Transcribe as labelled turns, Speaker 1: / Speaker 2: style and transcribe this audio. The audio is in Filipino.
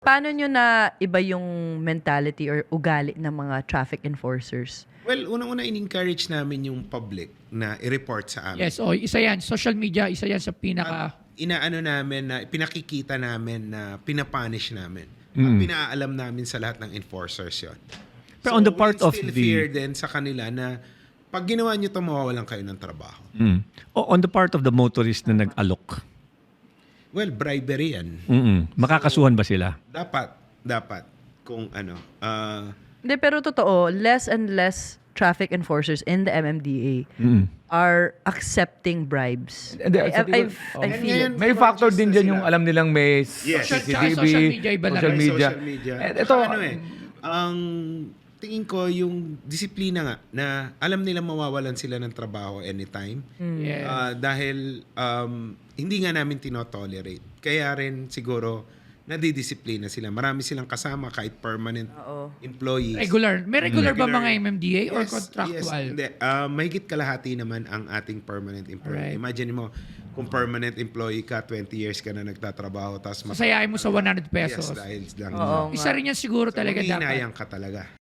Speaker 1: Paano nyo na iba yung mentality or ugali ng mga traffic enforcers?
Speaker 2: Well, unang-una in-encourage namin yung public na i-report sa amin.
Speaker 3: Yes, isa yan. Social media, isa yan sa pinaka...
Speaker 2: Inaano namin na pinakikita namin na pinapunish namin. At pinaalam namin sa lahat ng enforcers yon.
Speaker 4: Pero on the part
Speaker 2: we
Speaker 4: of
Speaker 2: instill
Speaker 4: the-
Speaker 2: fear din sa kanila na pag ginawa nyo ito, mawawalan kayo ng trabaho.
Speaker 4: On the part of the motorist na nag-alok,
Speaker 2: Well, bribery yan.
Speaker 4: makakasuhan ba sila?
Speaker 2: Dapat. Kung ano.
Speaker 1: Hindi, pero totoo, less and less traffic enforcers in the MMDA are accepting bribes.
Speaker 5: Hindi, sa tingin-
Speaker 1: I feel it.
Speaker 5: May factor din dyan yung alam nilang may
Speaker 2: Yes.
Speaker 5: CCTV,
Speaker 3: Social media, iba lang.
Speaker 5: social media.
Speaker 2: Social media.
Speaker 5: And
Speaker 2: Ito,
Speaker 5: ito,
Speaker 2: ang tingin ko yung disiplina nga na alam nila mawawalan sila ng trabaho anytime.
Speaker 3: Yes.
Speaker 2: Dahil hindi nga namin tinotolerate. Kaya rin siguro nadidisiplina sila. Marami silang kasama kahit permanent employees.
Speaker 3: Regular. May regular ba
Speaker 2: Regular.
Speaker 3: mga MMDA or
Speaker 2: Yes,
Speaker 3: contractual?
Speaker 2: Hindi. Mahigit kalahati naman ang ating permanent employee.
Speaker 3: Right.
Speaker 2: Imagine mo, kung permanent employee ka, 20 years ka na nagtatrabaho, tapos
Speaker 3: Sasayain mo sa 100 pesos.
Speaker 2: Yes, dahil lang.
Speaker 1: Oo.
Speaker 3: Isa rin yan siguro talaga dapat.
Speaker 2: Hinayang ka talaga.